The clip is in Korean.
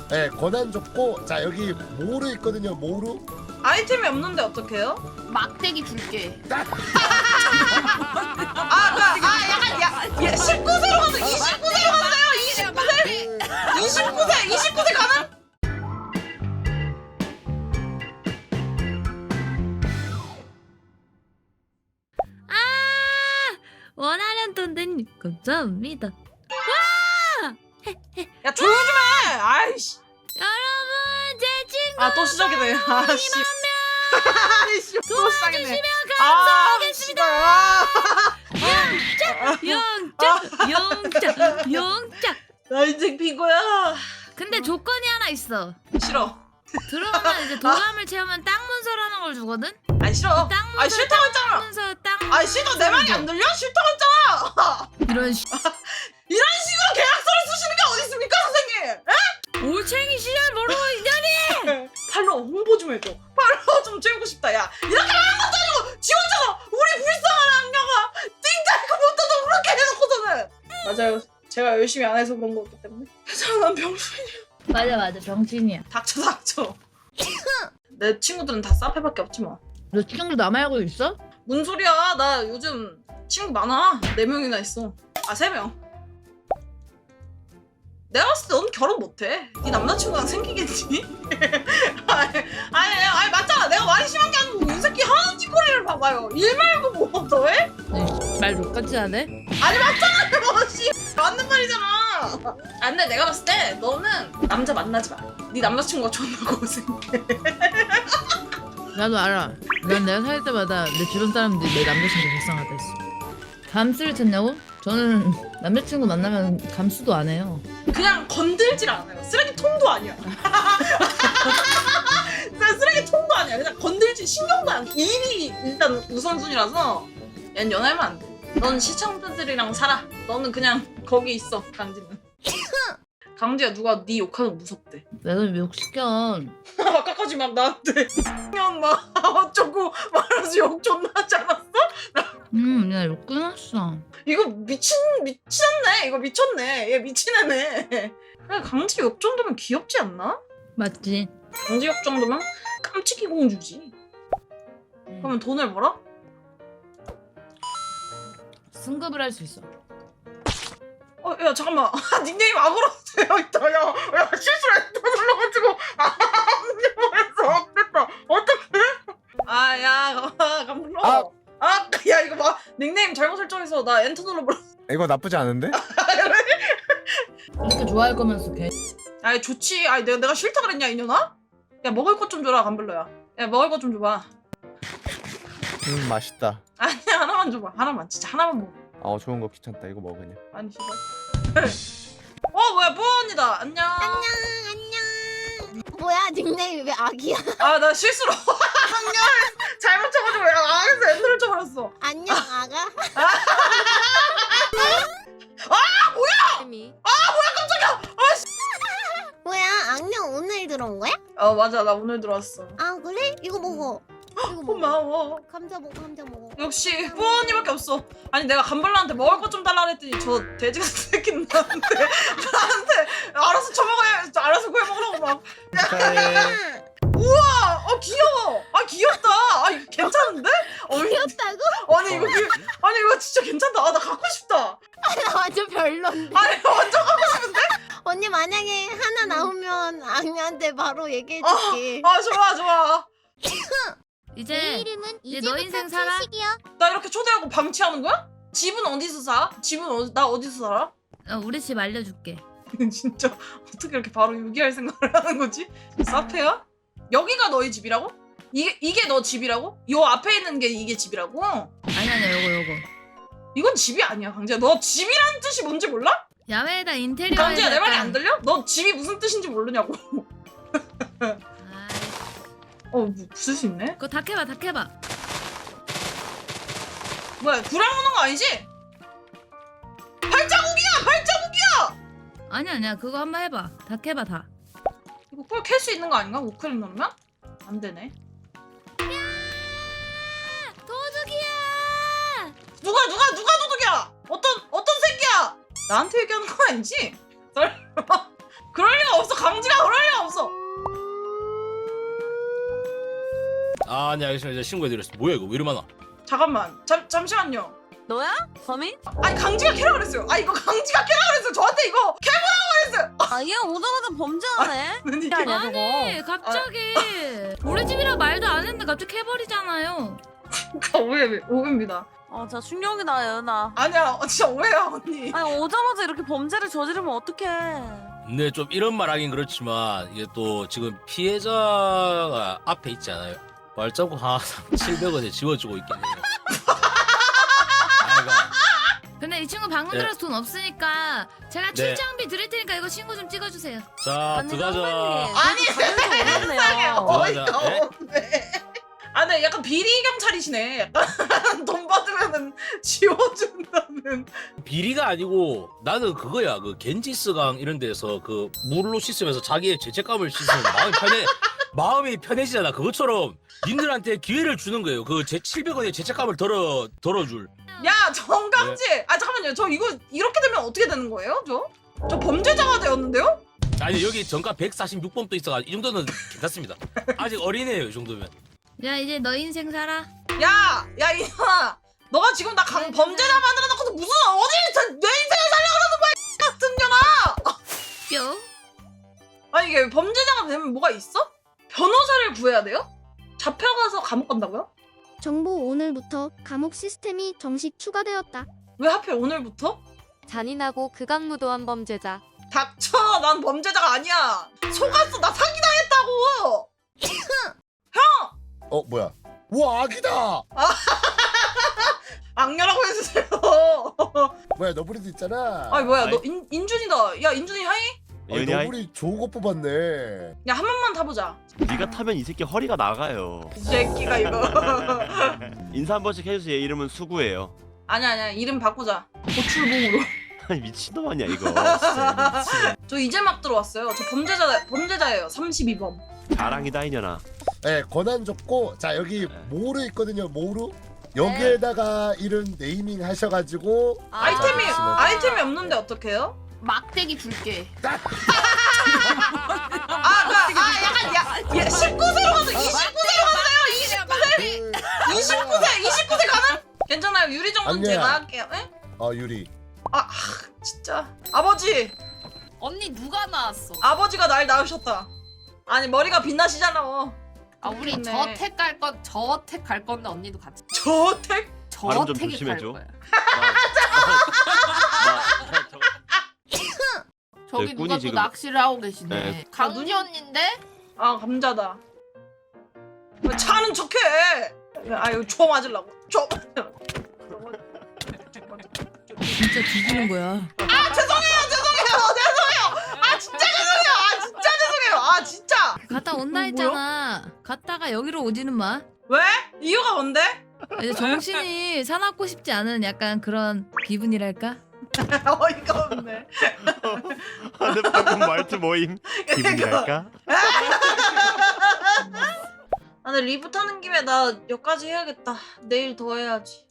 네, 권한 줬고 자 여기 모루 있거든요. 모루. 아이템이 없는데 어떡해요? 막대기 줄게. 약간 19세로 가서 29세로 가나요? 29세 가는? 원하는 돈 된 감사합니다. 야 조용 좀 해. 아이씨. 여러분 제 친구 아 또 시작이네. 아씨. 아이씨 또 시작이네. 도와주시면 아, 감사하겠습니다. 영자. 나 인생 비고야. 근데 조건이 하나 있어. 싫어. 들어가면 이제 도감을 채우면 땅 문서를 하는 걸 주거든. 아니 싫어. 땅 문서. 아니 싫다고 했잖아. 문서 땅. 아니 싫어. 내 말이 안 들려? 싫다고 했잖아. 이런 이런 식으로 계약서를 쓰시는 게 어디 있습니까, 선생님? 올챙이 시절 모르고 있다니. 팔로 홍보 좀 해줘. 팔로 좀 채우고 싶다. 야 이렇게 하는 것도 아니고 지 혼자서 우리 불쌍한 악녀가 띵자이고 못해도 그렇게 해놓고서는. 맞아요. 제가 열심히 안 해서 그런 거기 때문에. 난 병신이야. 맞아 병신이야. 닥쳐. 내 친구들은 다 사페밖에 없지 뭐. 너 친구 나 말고 있어? 뭔 소리야? 나 요즘 친구 많아. 4명이나 있어. 아 3명. 내가 봤을 때 넌 결혼 못해. 네 남자친구랑 생기겠니? 아니 맞잖아. 내가 말이 심한 게 아니고 이 새끼 하는 짓거리를 봐봐요. 일 말고 뭐 더해? 말 똑같이 하네. 아니 맞잖아. 뭐 씨. 맞는 말이잖아. 아 근데 내가 봤을 때 너는 남자 만나지 마. 네 남자친구가 존나 고생해. 나도 알아. 난 내가 살 때마다 내 주변 사람들이 내 남자친구 불쌍하다 했어. 감수를 찾냐고? 저는 남자친구 만나면 감수도 안 해요. 그냥 건들질 않아요. 쓰레기통도 아니야. 쓰레기통도 아니야. 그냥 건들지 신경도 안 써. 일이 일단 우선순위라서 얜 연애하면 안 돼. 넌 시청자들이랑 살아. 너는 그냥 거기 있어. 강지는. 강지야 누가 네 욕하는 거 무섭대. 내가 욕시켜. 아까까지 막 나한테 형 막 어쩌고 말하면서 욕 존나 하지 않았어? 야, 욕 끊었어. 이거 미쳤네. 이거 미쳤네. 얘 미친 애네. 그래, 강지 욕 정도면 귀엽지 않나? 맞지? 강지 욕 정도면 깜찍이 공주지. 그러면 돈을 벌어? 승급을 할 수 있어. 야 잠깐만. 닉네임 악으로 되어 있다. 야 실수로 엔터 눌러가지고 안녕해서 됐다. 어떡해? 아야 감불러. 야 이거 봐. 닉네임 잘못 설정해서 나 엔터 눌러버렸어. 이거 나쁘지 않은데? 이렇게 좋아할 거면서 걔. 아이 좋지. 아이 내가 싫다 그랬냐 이년아? 야 먹을 것 좀 줘라 감불러야. 야 먹을 것 좀 줘봐. 맛있다. 아니야 하나만 줘봐. 하나만 진짜 하나만 먹어. 좋은 거 귀찮다. 이거 먹으냐? 아니 씨발. 뭐야 뽀 언니다. 안녕. 안녕. 뭐야 닉네임이 왜 악이야? 아 나 실수로 악녀를 잘못 쳐가지고 악에서 엔터를 쳐버렸어. 안녕 아가? 깜짝이야. 뭐야 악령 오늘 들어온 거야? 맞아 나 오늘 들어왔어. 아 그래? 이거 먹어. 이거 먹어. 고마워. 감자 먹어. 역시 뽀 언니밖에 없어. 아니 내가 감발라한테 먹을 것 좀 달라 그랬더니 저 돼지 같은 새끼는 나한테 알아서 처먹어야 알아서 구해 먹으라고 막. 축하해. 우와 귀여워. 귀엽다. 이거 괜찮은데? 귀엽다고? 아니 이거 진짜 괜찮다. 나 갖고 싶다. 나 완전 별론데. 아니 완전 갖고 싶은데? 언니 만약에 하나 나오면 악녀한테 바로 얘기해줄게. 좋아. 이제 너 인생 살아? 나 이렇게 초대하고 방치하는 거야? 집은 어디서 사? 나 어디서 살아? 우리 집 알려줄게. 진짜 어떻게 이렇게 바로 유기할 생각을 하는 거지? 사페야? 여기가 너희 집이라고? 이게 너 집이라고? 요 앞에 있는 게 이게 집이라고? 아니야 요거. 이건 집이 아니야 강지야. 너 집이라는 뜻이 뭔지 몰라? 야외에다 인테리어. 강지야 내 말이 안 들려? 너 집이 무슨 뜻인지 모르냐고. 뭐 부술 수 있네? 그거 다 캐봐. 뭐야 구랑 오는 거 아니지? 발자국이야! 아니야 그거 한번 해봐. 다 캐봐 다. 이거 꿀 캘 수 있는 거 아닌가? 우클릭 누르면? 안 되네. 도둑이야! 누가 도둑이야? 어떤 새끼야? 나한테 얘기하는 거 아니지? 설마 그럴 리가 없어. 강지가 그럴 아, 네 알겠습니다. 이제 신고해드렸습니다. 뭐야 이거 왜 이리 많아? 잠깐만 잠시만요. 너야? 범인? 아니 강지가 캐라 그랬어요. 아 이거 강지가 캐라 그랬어요. 저한테 이거 캐보라고 그랬어요. 아, 얘 오자마자 범죄하네. 아니, 아니야 아니 갑자기 우리 집이라 말도 안 했는데 갑자기 캐버리잖아요. 오해입니다. 진짜 충격이다, 예은아. 아니야 진짜 오해야 언니. 아니, 오자마자 이렇게 범죄를 저지르면 어떡해. 근데 좀 이런 말 하긴 그렇지만 이게 또 지금 피해자가 앞에 있지 않아요? 발자국 하나 700원에 지워주고 있긴 해요. 아이가 근데 이 친구 방금 네. 들어서 돈 없으니까 제가 네. 출장비 드릴 테니까 이거 신고 좀 찍어주세요. 자 들어가자. 아니, 세상에. 어이가 네. 없네. 아, 네, 약간 비리 경찰이시네. 약간 돈 받으면은 지워준다는. 비리가 아니고 나는 그거야. 그 겐지스강 이런 데서 그 물로 씻으면서 자기의 죄책감을 씻으면 마음이 편해지잖아. 그것처럼 님들한테 기회를 주는 거예요. 그 700원의 죄책감을 덜어줄. 야, 정강지. 아, 잠깐만요. 저 이거 이렇게 되면 어떻게 되는 거예요? 저 범죄자가 되었는데요? 아니 여기 정가 146번도 있어가지고 이 정도는 괜찮습니다. 아직 어리네요 이 정도면. 야 이제 너 인생 살아. 야, 이놈아. 너가 지금 나 범죄자 만들어 놓고서 무슨 어디 내 인생을 살려 그러는 거야, 같은 년아. 뿅. 아니 이게 범죄자가 되면 뭐가 있어? 변호사를 구해야 돼요? 잡혀가서 감옥 간다고요? 정보 오늘부터 감옥 시스템이 정식 추가되었다. 왜 하필 오늘부터? 잔인하고 극악무도한 범죄자. 닥쳐, 난 범죄자가 아니야. 속았어, 나 사기당했다고. 뭐야? 우와 아기다. 악녀라고 해주세요. 뭐야 너구리도 있잖아. 아니 뭐야, 아이. 너 인준이다. 야, 인준이 하이? 예은이 아이, 너구리 좋은 거 뽑았네. 야, 한 번만 타보자. 네가 타면 이 새끼 허리가 나가요. 이 새끼가 이거. 인사 한 번씩 해주세요. 얘 이름은 수구예요. 아니야, 이름 바꾸자. 고출봉으로. 아니 미친놈 아니야 이거. 진짜 미친. 저 이제 막 들어왔어요. 저 범죄자예요. 32범. 자랑이다 이년아. 네 권한 줬고 자 여기 모루 있거든요. 모루 여기에다가 이름 네이밍 하셔가지고 아이템이 없는데 어떡해요? 막대기 줄게. 약간 19세로 가서 29세로 갔어요. 29세 가는? 괜찮아요. 유리 정도는 아니야. 제가 할게요. 에? 유리. 진짜. 아버지. 언니 누가 나왔어? 아버지가 날 낳으셨다. 아니 머리가 빛나시잖아. 아 우리 좋네. 저택 갈 건데 언니도 같이. 저택? 발음 좀 저택에 갈 조심해줘. 거야. 저기 저기 누가 꾼이 또 지금- 낚시를 하고 계시네. 네. 강지 언니인데? 아 감자다. 왜 차는 척해? 아유 초 맞으려고. 초. 진짜 뒤지는 거야. 죄송해요. 진짜 죄송해요. 진짜. 갔다 온다 했잖아. 갔다가 여기로 오지는 마. 왜? 이유가 뭔데? 이제 정신이 사납고 싶지 않은 약간 그런 기분이랄까? 어이가 없네. 내 방금 말투 모임. 기분이랄까? 아, 근데 리부 타는 김에 나 여기까지 해야겠다. 내일 더 해야지.